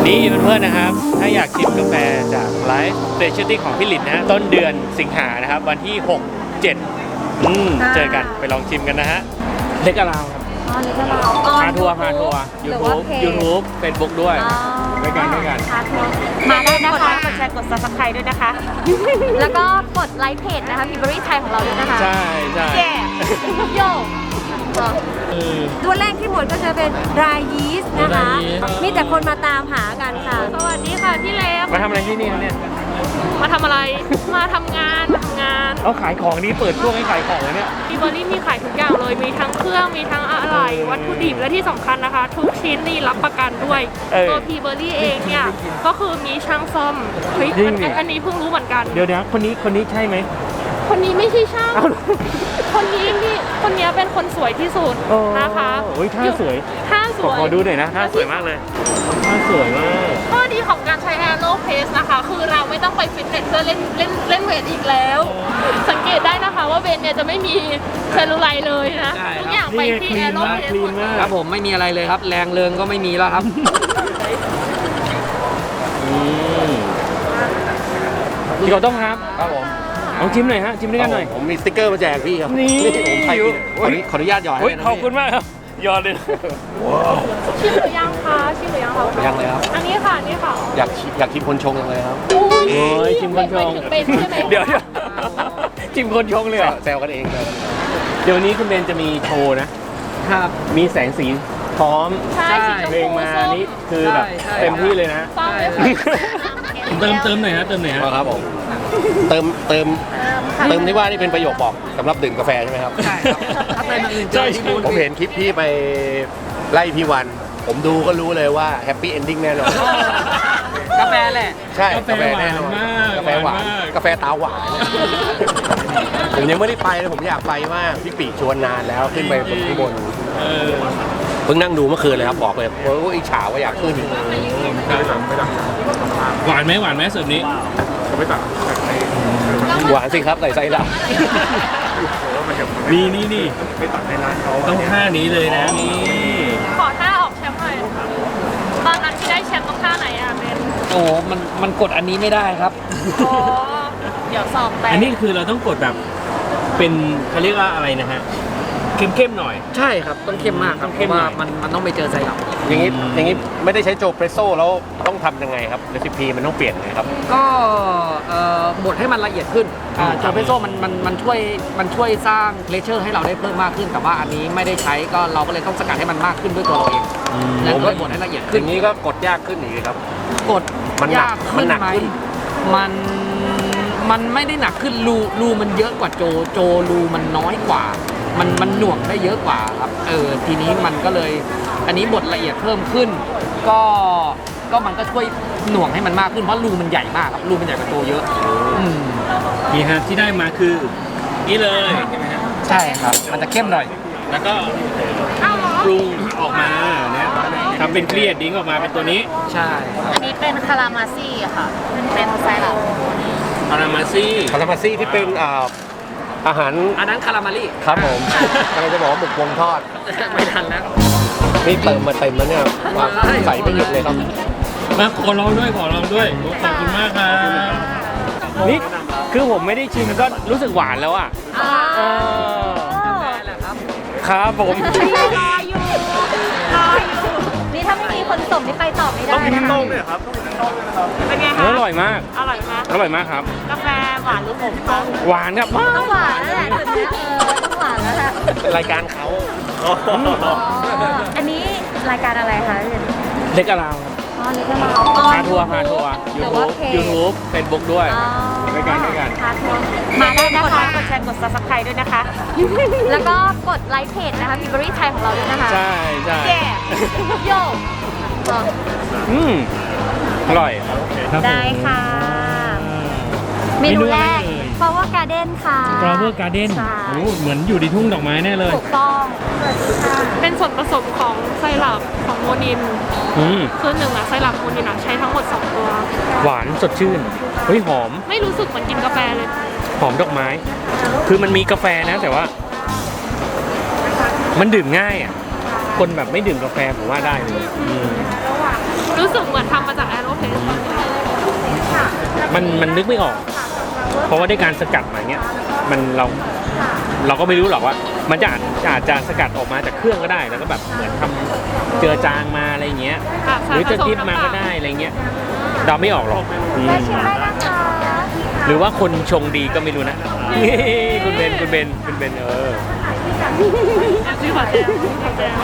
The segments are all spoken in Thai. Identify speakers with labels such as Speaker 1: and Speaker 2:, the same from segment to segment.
Speaker 1: นี่เพื่อนๆนะครับถ้าอยากชิมกาแฟจากไลฟ์สเปเชียลตี้ของพี่หลินนะต้นเดือนสิงหานะครับวันที่ 6-7 เจอกันไปลองชิมกันนะฮะเล็กอาราวครับ
Speaker 2: อ๋อเล็กอาราว
Speaker 1: พาทัวร์YouTube Facebook ด้วยด้วยกัน
Speaker 2: พาทัวร์มาได้นะคะ
Speaker 3: กดแชร์กด Subscribe ด้วยนะคะ
Speaker 2: แล้วก็กดไลค์เพจนะคะพิเบอรี่ไทยของเราด้วยนะคะ
Speaker 1: ใช่
Speaker 3: แย่
Speaker 2: โยตัวแรกที่หมดก็จะเป็นรายยีสต์นะคะ มีแต่คนมาตามหากันค่ะ
Speaker 3: สวัสดีค่ะพี่เล็ก
Speaker 1: มาทำอะไรที่นี่ครับเนี่ย
Speaker 3: มาทำอะไร มาทำงาน
Speaker 1: เอาขายของนี้เปิดช่วงให้ขายของเลยเนี่ย
Speaker 3: พีเบอรี่มีขายทุกอย่างเลย มีทั้งเครื่อง มีทั้งอะไรวัตถุดิบ และที่สำคัญนะคะ ทุกชิ้นนี่รับประกันด้วย ตัวพีเบอรี่เองเนี่ย ก็คือมีช่างซ่อม เฮ้ย อันนี้เพิ่งรู้เหมือนกัน
Speaker 1: เดี๋ยวคนนี้ใช่ไหม
Speaker 3: คนนี้ไม่ใช่ช่าง คนนี้เป็นคนสวยที่สุดนะคะ
Speaker 1: โอ้ยท่าสวย
Speaker 3: ท่าสวย
Speaker 1: ขอดูหน่อยนะท่าสวยมากเลยท่าสวยมาก
Speaker 3: ข้อดีของการใช้ Aero Pace นะคะ คือเราไม่ต้องไปฟิตเนสเพื่อเล่นเวทอีกแล้ว สังเกตได้นะคะว่าเวทเนี่ยจะไม่มีเซลลูไลท์เลยนะ ทุกอย่างไปที่ Aero Pace หมดเลย
Speaker 4: ครับผมไม่มีอะไรเลยครับ แรงเริงก็ไม่มีแล้วครับ
Speaker 1: พี่เขาต้องครับ
Speaker 5: ครับผม
Speaker 1: ลองชิมหน่อยฮะชิมด้วยกันหน่อย
Speaker 5: ผมมีสติ๊กเกอร์มาแจกพี่ครับ
Speaker 1: นี่
Speaker 5: ผมไปขออนุญาตหยอดให้นะ
Speaker 1: ขอบคุณมากครับยอดเลย
Speaker 3: ชิมหรือยังคะชิมหรือยังคะ
Speaker 5: ยังเลยครับ
Speaker 3: อันนี้ค่ะนี่ค่ะ
Speaker 5: อยากชิมคนชงจังเลยครับ
Speaker 1: โอ้ยชิมคนชง
Speaker 3: เป็นใช่ไหม
Speaker 1: เดี๋ยวชิมคนชงเลยเหรอ
Speaker 5: แซวกันเองเลย
Speaker 1: เดี๋ยววันนี้คุณเบนจะมีโชว์นะ
Speaker 4: ครับ
Speaker 1: มีแสงสีพร้อม
Speaker 3: ใช่สีชม
Speaker 1: เพลง
Speaker 3: พู
Speaker 1: มา
Speaker 3: ส้ม
Speaker 1: นี่คือแบบ
Speaker 4: ใช่
Speaker 1: เต็มที่เลยนะ
Speaker 3: ฟ้าไม่ค่ะ
Speaker 1: เติมหน่อยฮะเติมหน่อยฮะ
Speaker 5: ครับผมเติมที่ว่านี่เป็นประโยคบอกสำหรับดื่มกาแฟใช่ไหมครับ
Speaker 4: ใช่ครับถ้าเป็นอย่างอื่นเจอที่บูน
Speaker 5: ผมเห็นคลิปพี่ไปไล่พี่วัน ผมดูก็รู้เลยว่าแฮปปี้เอนดิ้งแน่นอน
Speaker 4: กาแฟแหละ
Speaker 5: ใช่กาแฟแน่นอนกาแฟหวานกาแฟตาหวานผมยังไม่ได้ไปเลยผมอยากไปมากพี่ปีชวนนานแล้วขึ้นไปบนข้างบนเพิ่งนั่งดูเมื่อคืนเลยครับบอกเลยโอ้ยอิจฉาว่าอยากขึ้น
Speaker 1: หวานไหมเสิร์ฟนี้
Speaker 5: หวานสิครับใส่ไส้ด
Speaker 1: นี่ต้องท่านี้เลยนะนี่
Speaker 3: ขอท่าออกแชมป์หน่อยตอนนั้นที่ได้แชมป์ต้องท่าไหนอะเบน
Speaker 4: โอ้โหมันกดอันนี้ไม่ได้ครับ
Speaker 3: อ๋อเดี๋ยวสอบแต่
Speaker 1: อันนี้คือเราต้องกดแบบเป็นเขาเรียกว่าอะไรนะฮะเข้มหน่อย
Speaker 4: ใช่ครับต้องเข้มมากครับเพ
Speaker 1: เข้ม
Speaker 4: ราะ
Speaker 1: หน่
Speaker 4: ว่า
Speaker 1: อย
Speaker 4: มันต้องไปเจอไซรัป
Speaker 5: ำอย่างนี้ไม่ได้ใช้โจเปรสโซ่แล้วต้องทำยังไงครับเรซิปีมันต้องเปลี่ยนไงครับ
Speaker 4: ก็บดให้มันละเอียดขึ้นโจเปโซมันช่วยสร้างเลเชอร์ให้เราได้เพิ่มมากขึ้น แต่ว่าอันนี้ไม่ได้ใช้ก็เราก็เลยต้องสกัดให้มันมากขึ้นด้วยตัวเราเองแล้วก็บดให้ละเอียด
Speaker 5: อ
Speaker 4: ขึ้น
Speaker 5: ย่างนี้ก็กดยากขึ้นอีกครับ
Speaker 4: กด
Speaker 5: มันหนัก
Speaker 4: ยาก
Speaker 5: มัน
Speaker 4: ขึ้น
Speaker 5: หนัก
Speaker 4: ไหม
Speaker 5: ขึ้น
Speaker 4: มันไม่ได้หนักขึ้นรูมันเยอะกว่าโจรูมันน้อยกว่า มันหน่วงได้เยอะกว่าครับทีนี้มันก็เลยอันนี้บดละเอียดเพิ่มขึ้น ก็มันก็ช่วยหน่วงให้มันมากขึ้นเพราะรูมันใหญ่มากครับรูมันใหญ่กว่าโจเยอะม
Speaker 1: นี่ฮะที่ได้มาคือนี่เลยใช่ไหมฮะ
Speaker 4: ใช่ครับมันจะเข้มหน่อย
Speaker 1: แล้วก็
Speaker 3: อ้าวเหรอ
Speaker 1: ปรุงออกมาเนี่ยทำเป็นเครียดดิ้งออกมาเป็นตัวนี้
Speaker 4: ใช่
Speaker 2: อันนี้เป็นคารามาซี่ค่ะ เป็นไซรัป
Speaker 1: อารามาซี่
Speaker 5: คารามาซี่ที่เป็นอาหาร
Speaker 4: อันนั้นคารามารี
Speaker 5: ครับผมกำลังจะบอกว่าหมึกวงทอด
Speaker 4: ไม่ทันแล้ว
Speaker 5: นี่เติมมาเต็มแล้วเนี่ยใส่ไม่หยุดเลยครับ
Speaker 1: มาขอลองด้วยขอบคุณมากครับนี่คือผมไม่ได้ชิมก็รู้สึกหวานแล้วอ่ะครับผม
Speaker 2: รออยู่นี่ถ้าไม่มีคนส่งนี่ไปต่อไม่ได้นะคะ
Speaker 3: เป็นไงคะ
Speaker 1: อร่อยมาก
Speaker 3: อร่อยไหม
Speaker 1: อร่อยมากครับ
Speaker 3: กาแฟหวานหรือขมคะ
Speaker 1: หวานครับ
Speaker 2: ต้องหวานแล้วแหละต้องหวานแล้วแหละ
Speaker 5: เป็นรายการเขา
Speaker 2: อันนี้รายการอะไรคะ
Speaker 1: เล็กอาราว
Speaker 2: อ๋อเล็กอาราว
Speaker 1: พาทัวร์YouTube Facebook ด้วยด้วยกัน
Speaker 2: พาทัวร์มาได้นะ
Speaker 3: กดไล
Speaker 2: คะ
Speaker 3: ค์กดแชร์กด Subscribe ด้วยนะคะ
Speaker 2: แล้วก็กดไลค์เพจนะคะพิเบอรี่ไทยของเราด้วยนะคะ
Speaker 1: ใช่
Speaker 3: แย่
Speaker 2: โย
Speaker 1: อร่อย
Speaker 2: ได้ค่ะ เมนูแรก Flower Garden ค่ะ
Speaker 1: Flower Garden
Speaker 2: ใช่
Speaker 1: โอ้เหมือนอยู่ในทุ่งดอกไม้แน่เลย
Speaker 2: ถูกต้องสวัสดีค่ะ
Speaker 3: เป็นส่วนผสมของไซรัปของโมนิน คือหนึ่งอะไซรัปโมนินอะใช้ทั้งหมด 2 ตัว
Speaker 1: หวานสดชื่นเฮ้ยหอม
Speaker 3: ไม่รู้สึกเหมือนกินกาแฟเลย
Speaker 1: หอมดอกไม้ คือมันมีกาแฟนะแต่ว่า มันดื่มง่ายอ่ะ คนแบบไม่ดื่มกาแฟผมว่าได้เลย
Speaker 3: รู้สึกเหมือนทำมาจาก
Speaker 1: มันนึกไม่ออก เพราะว่าด้วยการสกัดมาเงี้ยมันเราก็ไม่รู้หรอกว่า มันจะอาจจะสกัดออกมาจากเครื่องก็ได้แล้วก็แบบเหมือนทำเจือจางมาอะไรเงี้ย หรือจะดิบมาก็ได้อะไรเงี้ยเราไม่ออกหรอกอืม
Speaker 2: ได้ชิมได้นะคะ
Speaker 1: หรือว่าคนชงดีก็ไม่รู้นะ คุณเบน
Speaker 3: ชื่อผัดแจว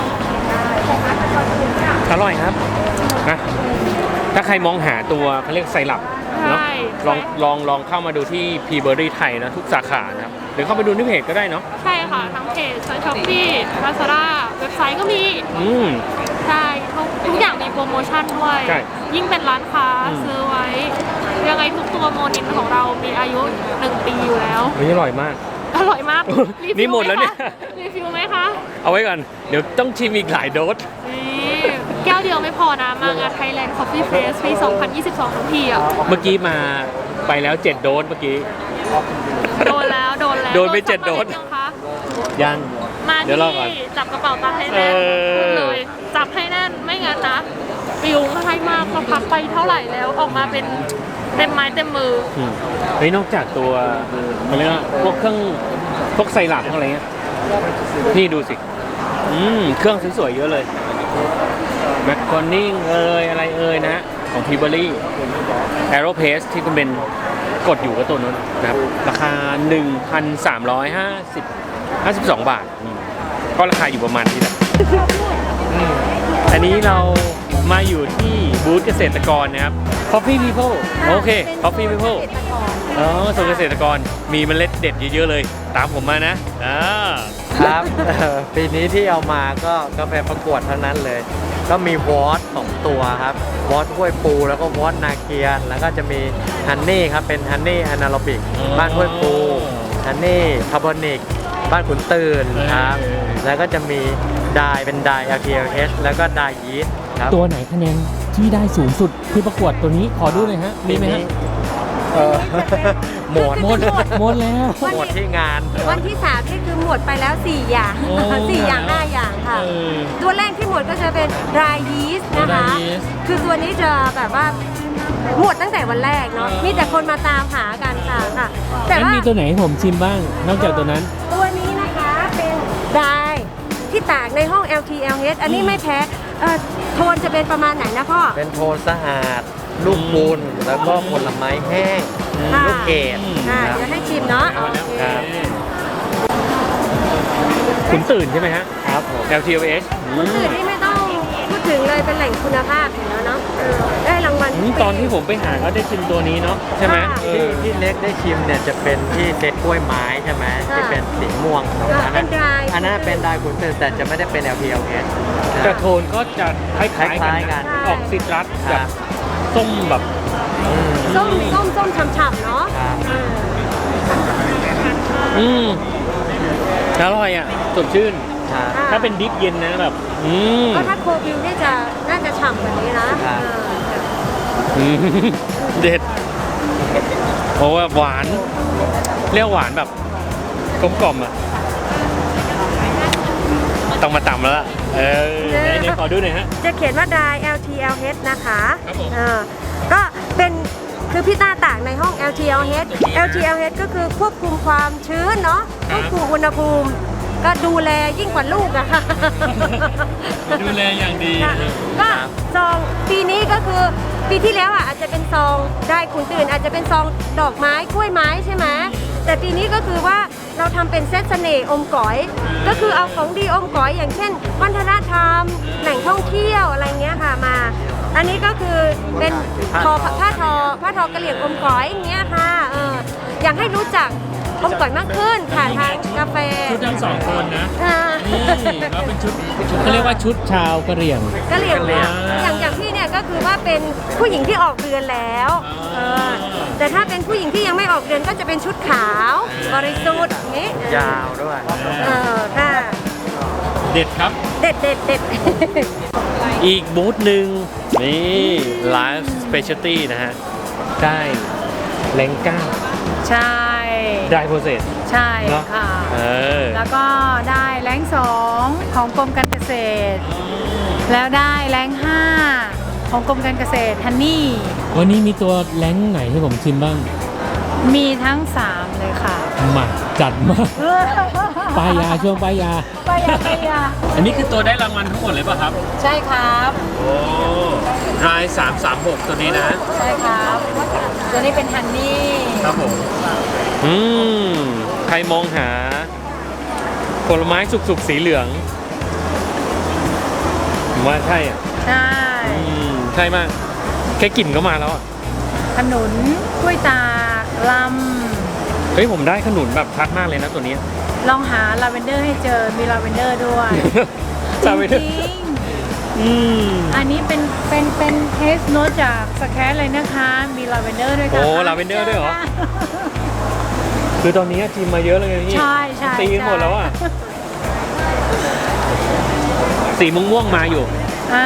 Speaker 1: อร่อยครับนะถ้าใครมองหาตัวเขาเรียกไซรัปเนาะลองเข้ามาดูที่พีเบอรี่ไทยนะทุกสาขานะครับหรือเข้าไปดูที่เพจก็ได้เนาะ
Speaker 3: ใช่ค่ะทั้งเพจช้อปปี้ลาซาด้าเว็บไซต์ก็มี ใช่ทุกอย่างมีโปรโมชั่นด้วย
Speaker 1: ใช่
Speaker 3: ยิ่งเป็นร้านค้าซื้อไว้ ยังไงทุกตัวโมนินของเรามีอายุ 1 ปีอยู่แล้ว
Speaker 1: เฮ้ยอร่อยมาก
Speaker 3: อร่อยมาก
Speaker 1: นี่หมดแล้วเนี่ย
Speaker 3: รีฟิลไหมคะ
Speaker 1: เอาไว้ก่อนเดี๋ยวต้องชิมอีกหลายโดส
Speaker 3: นี่แก้วเดียวไม่พอนะ มางาน Thailand Coffee Fest ปี 2022 ทั้งทีอ่ะ
Speaker 1: เมื่อกี้มาไปแล้ว7โดสเมื่อกี้
Speaker 3: โดนแล้ว
Speaker 1: โดนไป7โดส
Speaker 3: ยังคะ
Speaker 1: ยัง
Speaker 3: มา
Speaker 1: เดี๋ยวรอก่อน
Speaker 3: ที่จับกระเป๋าตังค์ให้แน่นพูดเลย จับให้แน่นไม่งั้นนะปิวให้มากก็พักไปเท่าไหร่แล้วออกมาเป็นเต็มไม้เต็มมือ
Speaker 1: เฮ้ยนอกจากตัวมันเรียกว่าพวกเครื่องพวกไซรัปพวกอะไรเงี้ยนี่ดูสิเครื่องสวยๆเยอะเลยแมคคอนนิ่งอะไรนะของพีเบอรี่แอโรเพสที่คุณเบนกดอยู่ก็ตัวนั้นนะครับราคา 1,352 บาทก็ราคาอยู่ประมาณนี้แหละอันนี้เรามาอยู่ที่บูธเกษตรกรนะครับ Coffee People โอเค Coffee People อ๋อส่วนเกษตรกรมีเมล็ดเด็ดเยอะๆเลย ตามผมมานะ
Speaker 6: ครับ ปีนี้ที่เอามาก็กาแฟประกวดทั้งนั้นเลย ก็มีวอต2ตัวครับวอตห้วยปูแล้วก็วอตนาเกียนแล้วก็จะมีฮันนี่ครับเป็นฮันนี่อนาโรบิกบ้านห้วยปูฮันนี่คาร์บอนิกบ้านขุนตื่นครับแล้วก็จะมีไดเป็นได LTLH แล้วก็ไดยีสต์ครับ
Speaker 1: ตัวไหนคะแนนที่ได้สูงสุดที่ประกวดตัวนี้ขอดูหน่อยฮะมีไหมฮะ
Speaker 6: หมด
Speaker 1: หมดแล้ว
Speaker 6: หมดที่งาน
Speaker 2: วันที่3นี่คือหมดไปแล้ว4อย่าง
Speaker 1: โอ้
Speaker 2: 4อย่าง5อย่างค่ะ ตัวแรกที่หมดก็จะเป็น dry yeast นะคะ
Speaker 1: dry yeast
Speaker 2: คือตัวนี้จะแบบว่าหมดตั้งแต่วันแรกเนาะ มีแต่คนมาตามหากันค่ะ แต่
Speaker 1: งั้น
Speaker 2: ว่า
Speaker 1: มีตัวไหนให้ผมชิมบ้าง นอกจากตัวนั้น
Speaker 2: ตัวนี้นะคะเป็น dry ที่ตากในห้อง LTLH อันนี้ไม่แพ้โทนจะเป็นประมาณไหนนะพ่อ
Speaker 6: เป็นโทนสะอาด ลูกบุญแล้วก็ผลไม้แห้ง
Speaker 2: ค่ะ
Speaker 6: ลูกเกด
Speaker 2: อ่า
Speaker 6: ครับ
Speaker 2: เดี๋ยวให้ชิมเนาะโอเค
Speaker 6: ครับ
Speaker 1: ขุนตื่นใช่ไหมฮะ
Speaker 6: ครับผม
Speaker 1: LTOH
Speaker 2: คนอื่นนี่ไม่ต้องพูดถึงเลยเป็นแหล่งคุณภาพอยู่แล้วเนาะได้รางวัลทุกปี
Speaker 1: ตอนที่ผมไปหาก็ได้ชิมตัวนี้เนาะใช่ไหม
Speaker 2: ค่ะ
Speaker 6: ที่เล็กได้ชิมเนี่ยจะเป็นที่เซ็ตกล้วยไม้ใช่ไหม
Speaker 2: ค่ะ
Speaker 6: ที่เป็นสีม่วง
Speaker 2: เป็น dry
Speaker 6: อันนั้นเป็นดายขุนตื่นแต่จะไม่ได้เป็น LPLS
Speaker 1: แต่โทนก็จะคล้าย
Speaker 6: คล้ายๆกัน
Speaker 1: ออกซิตรัส
Speaker 6: ค
Speaker 1: แบ
Speaker 6: รั
Speaker 1: บบ ส้มแบบ
Speaker 2: ส้มฉ่ำๆเนาะ
Speaker 6: ครับ
Speaker 1: อร่อยอ่ะสดชื่น
Speaker 6: ครับ
Speaker 1: ถ้าเป็นดิฟเย็นนะแบบ
Speaker 2: ก็ถ้าโควิวเนี่ยน่าจะฉ่ำกว่านี้นะครับ
Speaker 1: เด็ดเพราะว่าหวานเรียกหวานแบบกลมกล่อมอ่ะต้องมาต่ำแล้วล่ะไหนขอดูหน่อยฮะ
Speaker 2: จะเขียนว่า dry LTLH นะคะ
Speaker 1: ครับผม
Speaker 2: ก็เป็นคือพี่ต้าตากในห้อง LTLH LTLH ก็คือควบคุมความชื้นเนาะควบคุมอุณหภูมิ ก็ดูแลยิ่งกว่าลูกอะค่ะ
Speaker 1: ดูแลอย่างดี
Speaker 2: ค่ะก็ซองปีนี้ก็คือปีที่แล้วอาจจะเป็นซองได้ขุนตื่นอาจจะเป็นซองดอกไม้กล้วยไม้ใช่ไหมแต่ปีนี้ก็คือว่าเราทำเป็นเซตเสน่ห์อมก๋อย ก็คือเอาของดีอมก๋อยอย่างเช่นวัฒนธรรมแหล่งท่องเที่ยวอะไรเงี้ยค่ะมา อันนี้ก็คือเป็นผ้าทอกระเหลี่ยงอมก๋อยอย่างเงี้ยค่ะอยากให้รู้จักอมก๋อยมากขึ้นผ่านทางกาแฟ
Speaker 1: ชุดทั้งสองคนนะ
Speaker 2: อ่า
Speaker 1: นี่ก็เป็นชุดเขาเรียกว่าชุดชาวกะเหรี่ยง
Speaker 2: ก็เรียกแล้วอย่างพี่เนี่ยก็คือว่าเป็นผู้หญิงที่ออกเรือนแล้วแต่ถ้าเป็นผู้หญิงที่ยังไม่ออกเรือนก็จะเป็นชุดขาวบริสุทธิ์อย่างนี้
Speaker 6: ยาวด้วย
Speaker 2: ค่ะ
Speaker 1: เด็ดครับ
Speaker 2: เด็ด
Speaker 1: อีกบูธหนึ่งนี่ Live Specialty นะฮะ ได้แรงก้า
Speaker 7: ใช่
Speaker 1: ได้โปรเซส
Speaker 7: ใช่
Speaker 1: เนอะ
Speaker 7: ค่ะ แล้วก็ได้แรง2ของกรมการเกษตร แล้วได้แรง5 ของกรมการเกษตรฮันนี่
Speaker 1: วันนี้มีตัวแรงไหนให้ผมชิมบ้าง
Speaker 7: มีทั้ง 3 เลยค่ะ
Speaker 1: มาจัดมาป้ายยาช่วงป้ายยา
Speaker 7: ไปยา
Speaker 1: อันนี้คือตัวได้รางวัลทั้งหมดเลยป่ะครับ
Speaker 7: ใช่ครับ
Speaker 1: โอ้ราย336ตัวนี้นะ
Speaker 7: ใช่ครับ ตัวนี้เป็นฮันนี่
Speaker 1: ครับผมใครมองหาผลไม้สุกๆสีเหลืองผมว่าใช่อ่ะ
Speaker 7: ใช่
Speaker 1: ใช่มาก แค่กลิ่นก็มาแล้วอ่ะ
Speaker 7: ขนุนกล้วยตากล
Speaker 1: เฮ้ยผมได้ขนุนแบบชัดมากเลยนะตัวนี้
Speaker 7: ำลองหาลาเวนเดอร์ให้เจอ มีลาเวนเดอร์ด้วย จ
Speaker 1: ลาเวนเดอร์
Speaker 7: ริงๆอันนี้เป็นเทสโนตจากสแครเลยนะคะ มีลาเวนเดอร์ด้วยค่ะ
Speaker 1: โอ้ลาเวนเดอร์ด้วยเหรอ คือตอนนี้จิมมาเยอะเลยไงพี่
Speaker 7: ใช่ใช่
Speaker 1: ตีกันหมดแล้วอ่ะ สีม่วงๆมาอยู่
Speaker 7: อ่า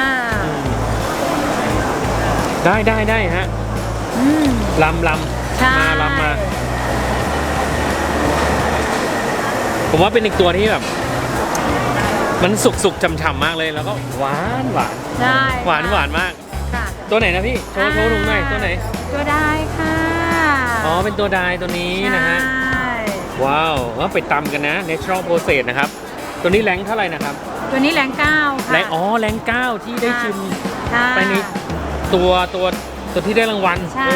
Speaker 1: ได้ฮะ
Speaker 7: อืม
Speaker 1: ลำ
Speaker 7: ใช่
Speaker 1: มาลำมา ผมว่าเป็นอีกตัวที่แบบ มันสุกๆฉ่ำๆมากเลยแล้วก็หวาน
Speaker 7: ใช่
Speaker 1: หวานมาก
Speaker 7: ค่ะ
Speaker 1: ตัวไหนนะพี่โชว์ลุงหน่อยตัวไหน
Speaker 7: ตัวได้ค่ะ
Speaker 1: อ๋อเป็นตัวดายตัวนี้นะฮะ
Speaker 7: ใช่
Speaker 1: ว้าวว่าไปตำกันนะ natural process นะครับ ตัวนี้แรงเท่าไหร่นะครับ
Speaker 7: ตัวนี้แรง9ค่ะ
Speaker 1: แรงแรง9ที่ได้ชิม
Speaker 7: ค่ะ
Speaker 1: ไปนี้ตัวที่ได้รางวัล
Speaker 7: ใช่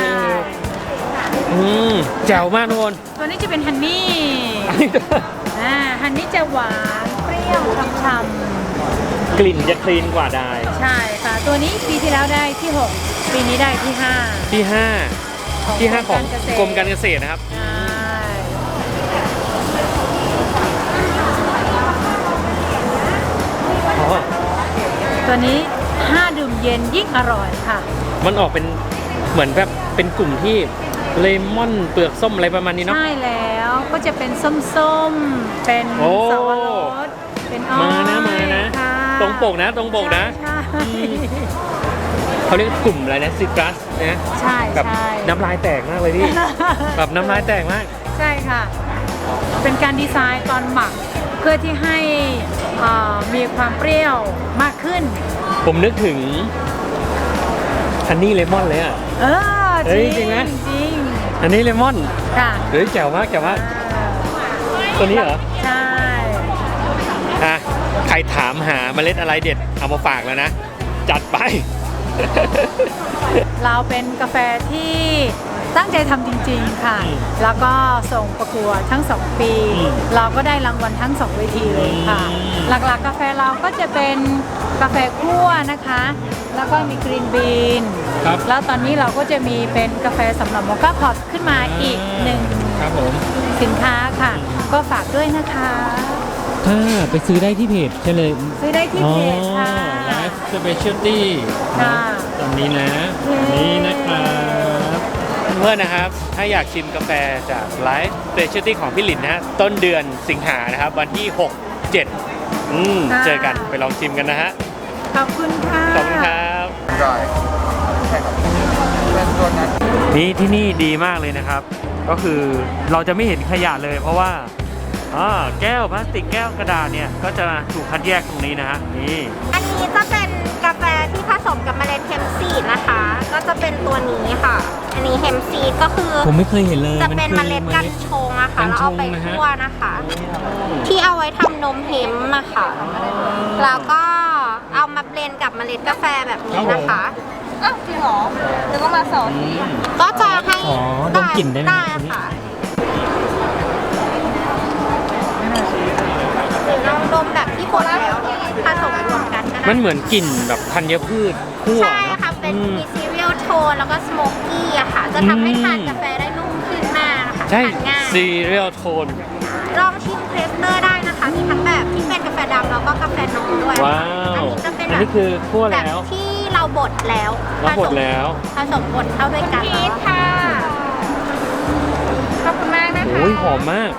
Speaker 1: แจ๋วมากทุกคน
Speaker 7: ตัวนี้จะเป็นฮันนี่
Speaker 1: อันนี้
Speaker 7: ฮันนี่จะหวานเปรี้ยวช่ำ
Speaker 1: กลิ่นจะคลีนกว่าได้
Speaker 7: ๆใช่ค่ะ ตัวนี้ปีที่แล้วได้ที่ 6 ปีนี้ได้ที่ 5
Speaker 1: ที่5ของกรมการเกษตรนะครับ
Speaker 7: ใช่
Speaker 1: อ๋อ
Speaker 7: ตัวนี้ 5 ดื่มเย็นยิ่งอร่อยค่ะ
Speaker 1: มันออกเป็นเหมือนแบบเป็นกลุ่มที่เลมอนเปลือกส้มอะไรประมาณนี้เนาะ
Speaker 7: ใช่แล้วก็จะเป็นส้มๆ เป็น
Speaker 1: โอ้
Speaker 7: สับปะรดเป็นอ้อย
Speaker 1: มานะ
Speaker 7: ค่ะ
Speaker 1: ตรงปกนะ
Speaker 7: ใช่
Speaker 1: เขาเรียกกลุ่มอะไรนะซิตรัสนะ
Speaker 7: ใช่
Speaker 1: แบบ
Speaker 7: ใช่
Speaker 1: น้ำลายแตกมากเลยพี่ แบบน้ำลายแตกมาก
Speaker 7: ใช่ค่ะ เป็นการดีไซน์ตอนหมักเพื่อที่ให้มีความเปรี้ยวมากขึ้น
Speaker 1: ผมนึกถึงฮันนี่เลมอนเลยอ่ะ
Speaker 7: เออ
Speaker 1: เฮ้ยจริงไหม
Speaker 7: จริง
Speaker 1: ฮันนี่เลมอน
Speaker 7: ค่ะ
Speaker 1: เฮ้ยแจ๋วมากตัวนี้เหรอ
Speaker 7: ใช่
Speaker 1: อ่ะใครถามหาเมล็ดอะไรเด็ดเอามาฝากแล้วนะ จัดไป
Speaker 7: เราเป็นกาแฟที่ตั้งใจทำจริงๆค่ะ แล้วก็ส่งประกวดทั้ง 2 ปี เราก็ได้รางวัลทั้ง 2 เวทีเลยค่ะ หลักๆกาแฟเราก็จะเป็นกาแฟคั่วนะคะ แล้วก็มีกรีนบีน
Speaker 1: ครับ
Speaker 7: แล้วตอนนี้เราก็จะมีเป็นกาแฟสำหรับโมก้าพอตขึ้นมาอีกหนึ่ง
Speaker 1: ครับผม
Speaker 7: สินค้าค่ะ ก็ฝากด้วยนะคะ
Speaker 1: ถ้าไปซื้อได้ที่เพจใช่เลย
Speaker 7: ซื้อได้ที่เพจค่ะ
Speaker 1: Life Specialty
Speaker 7: ค่ะ
Speaker 1: ตอนนี้นะ
Speaker 7: เย้
Speaker 1: นี่นะครับเพื่อนๆนะครับ ถ้าอยากชิมกาแฟจาก Life Specialty ของพี่หลินนะฮะต้นเดือนสิงหานะครับ วันที่ 6-7 เจอกันไปลองชิมกันนะฮะ
Speaker 7: ขอบคุณค่ะ
Speaker 1: ขอบคุณครับนี่ที่นี่ดีมากเลยนะครับ ก็คือเราจะไม่เห็นขยะเลย เพราะว่าแก้วพลาสติกแก้วกระดาษเนี่ยก็จะถูกคัดแยกตรงนี้นะฮะนี่
Speaker 2: อันนี้จะเป็นกาแฟที่ผสมกับเมล็ดเฮมป์ซีดนะคะ ก็จะเป็นตัวนี้ค่ะ อันนี้เฮมป์ซีดก็คือ
Speaker 1: ผมไม่เคยเห็นเลย
Speaker 2: จะเป็นเมล็ดกัญชงอะค่ะแล้วเอาไปคั่วนะคะ ที่เอาไว้ทำนมเฮมป์อะค่ะ แล้วก็เอามาเบลนด์กับเมล็ดกาแฟแบบนี้นะคะอ้าวจริงเหรอหรือว่ามาสอนก็จะให้
Speaker 1: อ๋อดมกลิ่นได้ไหม
Speaker 2: ได้ค่ะหรือลองดมแบบที่บดแล้วผสมรวมกันก็ได้
Speaker 1: มันเหมือนกลิ่นแบบธัญพืชคั่ว
Speaker 2: ใช่
Speaker 1: เนอะ
Speaker 2: ค่ะ เป็นมีซีเรียลโทนแล้วก็สโมกกี้อะค่ะ จะทำให้ทานกาแฟได้นุ่มขึ้นมากนะคะ
Speaker 1: ใช่
Speaker 2: ทานง่าย
Speaker 1: ซีเรียลโทน
Speaker 2: ลองชิมเพรสเตอร์ได้นะคะ มีทั้งแบบที่เป็นกาแฟดำแล้วก็กาแฟนมด้วย
Speaker 1: ว้าว
Speaker 2: อันนี้จะเป็น
Speaker 1: อัน
Speaker 2: แบบ
Speaker 1: นี้คือคั่ว
Speaker 2: แบบ
Speaker 1: แล้ว
Speaker 2: ที่เราบดแล้ว
Speaker 1: เราบดแล้ว
Speaker 2: ผสมบดเข้าด้วยกันพีทค่ะ ขอบคุณมากนะคะ
Speaker 1: โอ้ยหอมมาก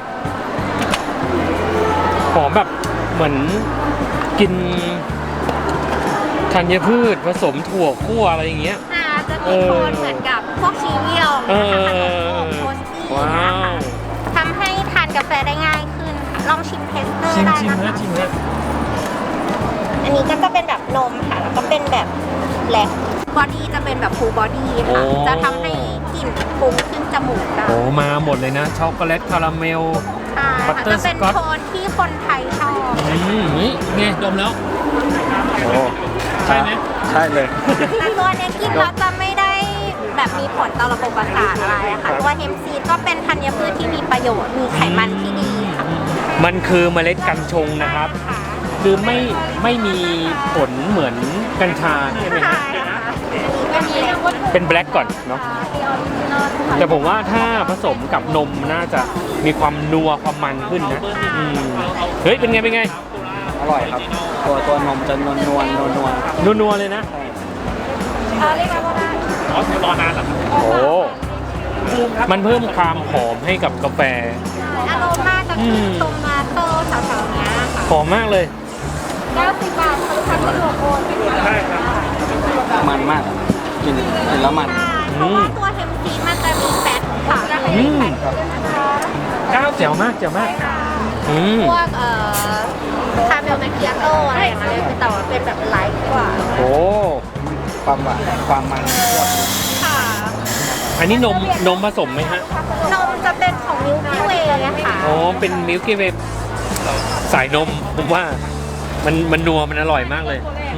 Speaker 1: หอมแบบเหมือนกินธัญพืชผสมถั่วคั่วอะไรอย่างเงี้ย
Speaker 2: ค่ะจะมีโทนเหมือนกับพวกซีเรียล
Speaker 1: เอ
Speaker 2: นะคะขนม
Speaker 1: อ
Speaker 2: โทสตี้
Speaker 1: ว้า
Speaker 2: นะคะ
Speaker 1: ว
Speaker 2: ทำให้ทานกาแฟได้ง่ายขึ้นค่ะลองชิมเพรสเตอร์
Speaker 1: ชิม
Speaker 2: ได้
Speaker 1: ชิม
Speaker 2: นะ
Speaker 1: นะคะ ชิมนะ
Speaker 8: อันนี้ก็จะเป็นแบบนมค่ะ แล้วก็เป็นแบบแบล็คบอดี้จะเป็นแบบฟูลบอดี้ค่ะ จะทำให้กลิ่นฟุ้งขึ้นจมูกได้
Speaker 1: โอ้มาหมดเลยนะ ช็อกโกแลตคาราเมล
Speaker 8: ค่ะ
Speaker 1: บัตเตอร์
Speaker 8: จะเป็น
Speaker 1: สก๊อต
Speaker 8: โทนที่คนไทยชอบ
Speaker 1: นี่ไงดมแล้ว โอ้ใช่ไหม
Speaker 6: ใช่เลย
Speaker 8: แต่ตัวเนี้ยกินแล้วจะไม่ได้แบบมีผลต่อระบบประสาทอะไรอะค่ะตัวเฮมซีดก็เป็นธัญพืชที่มีประโยชน์ มีไขมันที่ดีค่ะ
Speaker 1: มันคือเมล็ดกัญชงนะครับ คือไม่มีผลเหมือนกัญชาใช่ไหมครับ เป็นแบล็กก่อนเนาะ แต่ผมว่าถ้าผสมกับนมน่าจะมีความนัวความมันขึ้นนะเฮ้ย เป็นไง เป็นไง
Speaker 6: อร่อยครับ ตัวนมจะนวลนวลนวลนวล
Speaker 1: นัวๆเลยนะอ๋อรอนานเหรอโอ้ มันเพิ่มความหอมให้กับกาแฟ
Speaker 8: อโรมาจะคือโตมาโต้แถวๆเนี้ยค่ะ
Speaker 1: หอมมากเลย
Speaker 8: 90 บาทคือทำเป็นหัวโคนใช่ครับ
Speaker 6: มันมากกินแล้วมัน
Speaker 8: เพราะว่าตัวเฮมซีดมันจะมีแฟตค่ะ
Speaker 1: อืมเจ๋วมากเจ๋วมาก
Speaker 8: พวกคาเมลแมคคิอาโต้อะไรอย่างเงี้ยคือแต่ว่าเป็นแบบไลท์กว่า
Speaker 1: โอ้
Speaker 6: ความหวานความมัน
Speaker 8: ค่ะ
Speaker 1: อันนี้นมผสมไหมฮะ
Speaker 8: นมจะเป็นของมิลกี้เวย์นะคะ
Speaker 1: อ๋อ เป็นมิลกี้เวฟสายนม ผมว่ามันนัวมันอร่อยมากเลย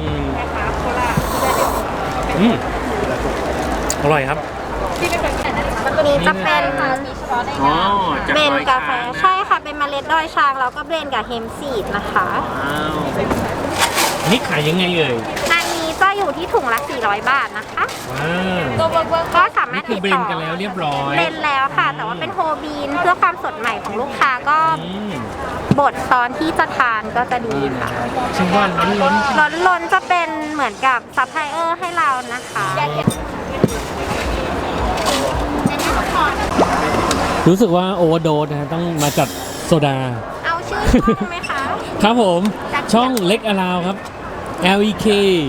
Speaker 1: อร่อยครับ
Speaker 8: ตัวนี้จะเป็น
Speaker 1: อ๋อจาก
Speaker 8: เบน
Speaker 1: ดอย
Speaker 8: กาแฟ
Speaker 1: ช้างนะ
Speaker 8: ใช่ค่ะเป็นเมล็ดดอยช้างแล้วก็เบนกับเฮมซีดนะคะ
Speaker 1: ว้าวอันนี่ขายยังไงเอ่ย
Speaker 8: อันนี้จะอยู่ที่ถุงละ400 บาทนะคะ
Speaker 1: ว้าว
Speaker 8: ก็สามาร
Speaker 1: นี่
Speaker 8: ถ
Speaker 1: คื
Speaker 8: ติ
Speaker 1: อ
Speaker 8: ด
Speaker 1: เบร
Speaker 8: ต่
Speaker 1: น
Speaker 8: อ
Speaker 1: กันแล้วเรียบร้อย
Speaker 8: เบนแล้วค่ะ แต่ว่าเป็นโฮบีนเพื่อความสดใหม่ของลูกค้าก็
Speaker 1: อืม
Speaker 8: บดตอนที่จะทานก็จะดีค่ะ
Speaker 1: ชิมว่าล้น
Speaker 8: ล้นๆจะเป็นเหมือนกับซัพพลายเออร์ให้เรานะคะ
Speaker 1: รู้สึกว่าโอเวอร์โดสนะต้องมาจัดโซดา
Speaker 8: เอาชื่อช่องไหมคะ
Speaker 1: ครับผมช่องเล็กอาราวครับ LEK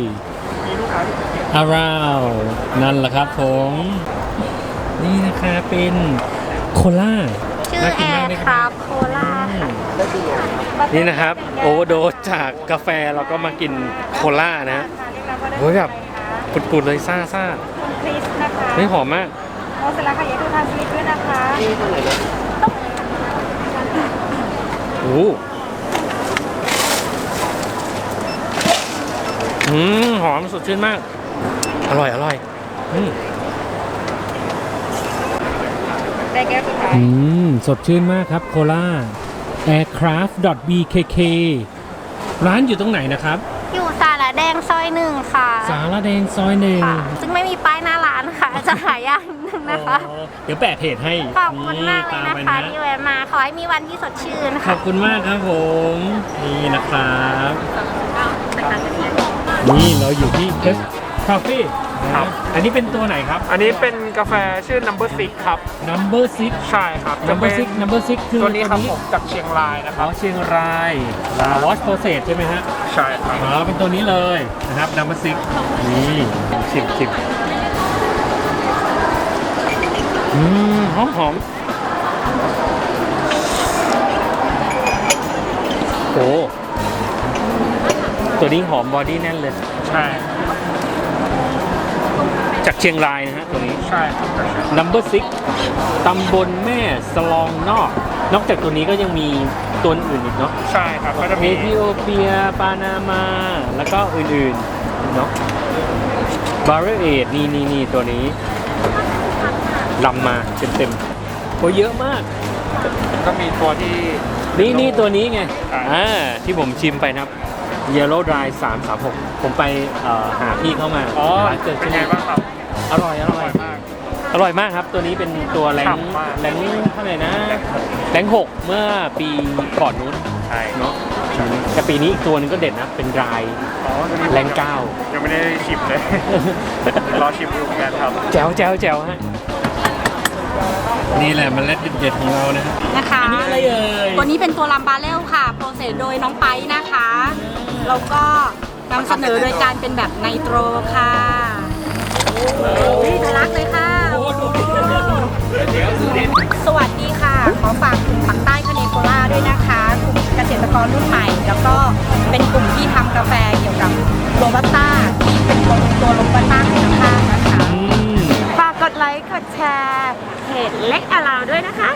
Speaker 1: Around นั่นแหละครับผม นี่นะคะเป็นโคล่า
Speaker 8: ชื่อแอร์ครับโคลาค่ะ
Speaker 1: นี่นะครับโอเวอร์โดสจากกาแฟเราก็มากินโคล่านะโอ้ยแบบปุดๆเลยซ่า
Speaker 7: คริสนะคะ
Speaker 1: ๆไม่หอมมาก
Speaker 7: โอเสร็จแล้วค่ะอย่าดูทานชีสด้วยนะคะ
Speaker 1: โอ้หอมสดชื่นมาก อร่อย
Speaker 7: ได้แก้วสุดท้าย
Speaker 1: สดชื่นมากครับโคล่า aircraft.bkk ร้านอยู่ตรงไหนนะครับ
Speaker 8: อยู่สาระแดงซอยหนึ่งค่ะ
Speaker 1: สารแดงซอยหนึ่ง
Speaker 8: ค่ะ ซึ่งไม่มีป้ายหน้าร้านค่ะ จะหายากนิดนึงนะคะ
Speaker 1: อ๋อเดี๋ยวแปะเพจให้
Speaker 8: ขอบคุณมากเลย
Speaker 1: ต
Speaker 8: นะ
Speaker 1: ไป
Speaker 8: คะที่แวะมา ขอให้มีวันที่สดชื่น
Speaker 1: ข
Speaker 8: ค่ะ
Speaker 1: อบคุณมากครับผม นี่นะครับ นี่เราอยู่ที่ Test Coffee
Speaker 9: ครับ
Speaker 1: อันนี้เป็นตัวไหนครับ
Speaker 9: อันนี้เป็นกาแฟชื่อ Number 6 ครับ
Speaker 1: Number 6
Speaker 9: ใช่ครับจะ
Speaker 1: Number
Speaker 9: เป็น
Speaker 1: 6 Number 6 คือ
Speaker 9: ตัวนี้ครับผมจากเชียงรายนะค
Speaker 1: อ๋
Speaker 9: รั
Speaker 1: อบ เชียงราย Wash Process ใช่ไหมฮะ
Speaker 9: ใช่ครับ
Speaker 1: อ๋อ เป็นตัวนี้เลยนะครับ Number 6 นี่ชิมหอมโอ้ตัวนี้หอมบอดี้แน่นเลย
Speaker 9: ใช่
Speaker 1: จากเชียงรายนะฮะตัวนี้
Speaker 9: ใช่ครับ
Speaker 1: Number 6 ตำบลแม่สลองนอก นอกจากตัวนี้ก็ยังมีตัวอื่นอีกเนาะ
Speaker 9: ใช่ครับก็จะ
Speaker 1: เอ
Speaker 9: มี
Speaker 1: ธิโอเปีย ปานามา แล้วก็อื่นๆ เนาะบาร์เรเอดนี่ตัวนี้ลำมาเต็มๆโอ้เยอะมาก
Speaker 9: ก็มีตัวที่
Speaker 1: นี่ตัวนี้ไง
Speaker 9: อ่า
Speaker 1: ที่ผมชิมไปนะครับ Yellow Dry 336 ผมไปหาพี่เข้ามา
Speaker 9: อ๋อ
Speaker 1: ร้านเกิด
Speaker 9: เป็น
Speaker 1: ที่
Speaker 9: ไง
Speaker 1: นี่
Speaker 9: บ้างครับ
Speaker 1: อร่อย
Speaker 9: อร่อยมาก
Speaker 1: อร่อยมากครับ ตัวนี้เป็นตัวแรง
Speaker 9: ฉ่ำมาก
Speaker 1: เท่าไหร่นะแรง6เมื่อปีก่อนนู้น
Speaker 9: ใช่
Speaker 1: เนาะแต่ปีนี้อีกตัวหนึงก็เด่นนะ เป็นราย
Speaker 9: อ๋อตัวนี้ผม
Speaker 1: แรง9
Speaker 9: ยังไม่ได้ชิมเลย รอชิมอยู่เหมือนกันครับ
Speaker 1: แจ๋วฮะ นี่แหละมันเล็ดเด็ดของเรานะ
Speaker 10: นะคะ
Speaker 1: อันนี้อะไรเอ่ย
Speaker 10: ตัวนี้เป็นตัวลัมบาเรลค่ะ โปรเซสโดยน้องไปนะคะ แล้วก็นำเสนอโดยการเป็นแบบไนโตรค่ะน่ารักเลยค่ะ สวัสดีค่ะ ขอฝากกลุ่มปักใต้คาเนโคล่าด้วยนะคะกลุ่มเกษตรกรรุ่นใหม่ แล้วก็เป็นกลุ่มที่ทำกาแฟเกี่ยวกับโรบัสต้าที่เป็นตัวโรบัสต้าคุณภาพนะคะ
Speaker 2: ฝากกดไลค์กดแชร์เพจเล็กอาราวด้วยนะคะ